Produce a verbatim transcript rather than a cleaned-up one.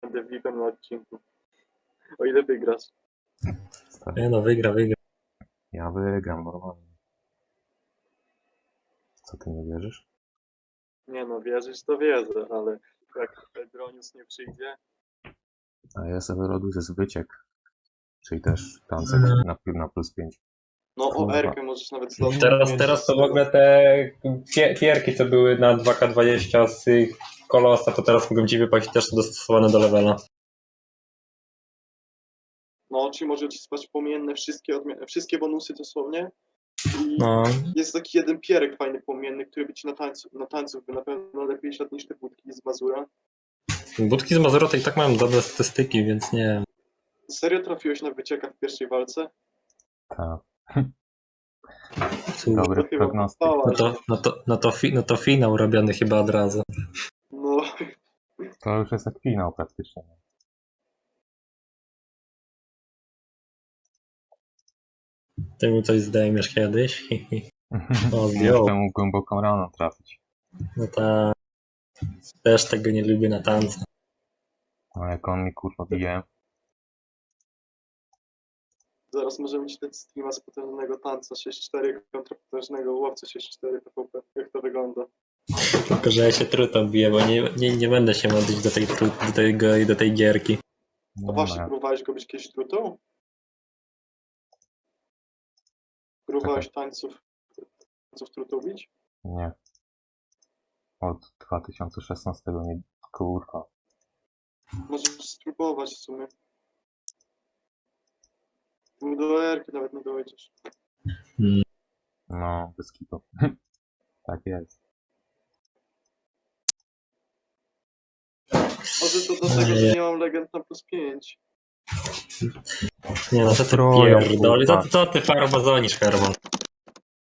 będę V I P-em na odcinku. O ile wygrasz. Stary, Nie no, wygra, wygra. ja wygram normalnie. Co, ty nie wierzysz? Nie no, wierzysz to wierzę, ale jak Pedronius nie przyjdzie, A ja sobie robię z wyciek. Czyli też tancek na, na plus pięć. no o Kurwa. Erkę możesz nawet zdobyć. Teraz, teraz to w ogóle te pie- pierki, co były na dwa K dwadzieścia z Kolosa, to teraz mogą ci wypaść też dostosowane do levela. No, czy może ci spać pomienne wszystkie, odmi- wszystkie bonusy dosłownie. I No, jest taki jeden pierek fajny pomienny, który by ci na tańcu, na tańcu by na pewno lepiej szedł niż te budki z Mazura. budki z Mazura to i tak mają dobre statystyki, więc nie. Serio trafiłeś na wycieka w pierwszej walce? Tak. Cóż, Dobry To chyba prognostyk. No pochwała, to, no, to, no, to fi, no to finał robiony chyba od razu. No, To już jest jak finał praktycznie. Ty mi coś zdejmiesz kiedyś? O, zdjął. Muszę mu głęboką raną trafić. No tak. Też tego nie lubię na tance. No jak on mi kurwa bije. zaraz możemy mieć ten streama z potężnego tanca sześć cztery kontra potężnego łowcy sześć cztery P V P. Jak to wygląda? Tylko, że ja się trutą biję, bo nie, nie, nie będę się modlić do tej, tru- do, tego, do tej gierki. A Nie właśnie, ma. próbowałeś go być kiedyś trutą? Próbowałeś tańców, tańców trutą bić? Nie. Od dwa tysiące szesnastego nie. Kurwa. Możesz spróbować w sumie. Tu do erki nawet nie dojdziesz. Mm. No, bez kitu. Tak jest. Może to dlatego, że nie mam legend na plus pięć. Nie no, co ty Troją, pierdoli, co, kurwa. ty- co ty farmazonisz, Herman?